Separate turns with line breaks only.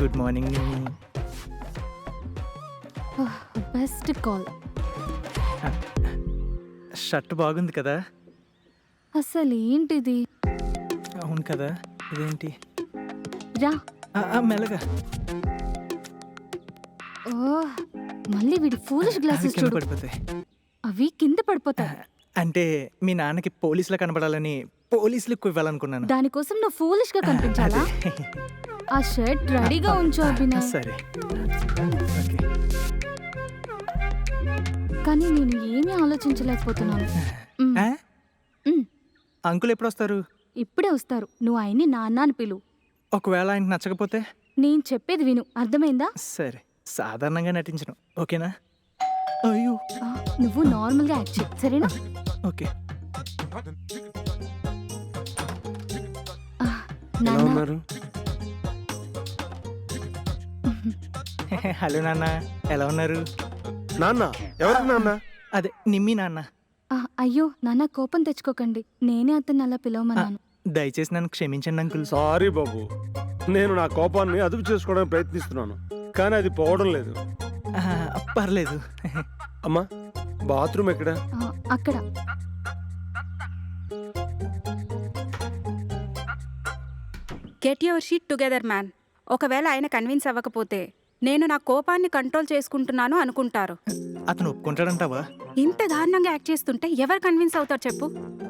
Good morning.
Best call.
Shirt బాగుంది కదా?
అసలు ఏంటిది?
అవును కదా, ఇదేంటి?
రా.
మెల్లగా.
ఓహ్, మళ్ళీ వీడి ఫూలిష్
అవి
గ్లాసెస్
కింద
చూడు.
పడిపోతాయి.
అవి కింద పడిపోతాయి.
అంటే మీ నాన్నకి పోలీసులా కనబడాలని పోలీసులు ఎక్కువ ఇవ్వాలనుకున్నాను.
దానికోసం నువ్వు ఫూలిష్ గా కనిపించాలా?
అదే.
ఆ షర్ట్ రెడీగా ఉంచు అభినయ్.
సరే, ఓకే.
కానీ నేను ఏమీ ఆలోచించలేకపోతున్నాను. మ్,
ఆ?
మ్,
అంకుల్ ఎప్పుడు వస్తారు?
ఇప్పుడే వస్తారు. నువ్వు ఆయన్ని నాన్న అని పిలు.
ఒకవేళ ఆయనకు నచ్చకపోతే?
నేను చెప్పేది విను, అర్థమైందా?
సరే, సాధారణంగా నటించను, ఓకేనా? అయ్యో,
ఆ, నువ్వు నార్మల్ గా యాక్ట్ చేయి, సరేనా?
ఓకే.
ఆ,
ఎలా
నాన్న.
ఉన్నారు?
హలో నాన్న, ఎలా ఉన్నారు?
నాన్న ఎవరికి నాన్న?
అదే నిమ్మి నాన్న.
ఆ, అయ్యో నాన్న, కోపం తెచ్చుకోకండి. నేనే అతన్ని అలా పిలవమన్నాను.
దయచేసి నన్ను క్షమించండి అంకుల్.
సారీ బాబు, నేను నా కోపాన్ని అదుపు చేసుకోవడానికి ప్రయత్నిస్తున్నాను, కానీ అది పోవడం లేదు.
పర్లేదు.
అమ్మా, బాత్రూమ్ ఎక్కడ?
ఆ, అక్కడ.
Get your sheet together man. ఒకవేళ ఆయన కన్విన్స్ అవ్వకపోతే నేను నా కోపాన్ని కంట్రోల్ చేసుకుంటున్నాను అనుకుంటారు.
అతను ఒప్పుకుంటాడంటావా?
ఇంత దారుణంగా యాక్ట్ చేస్తుంటే ఎవరు కన్విన్స్ అవుతారు చెప్పు?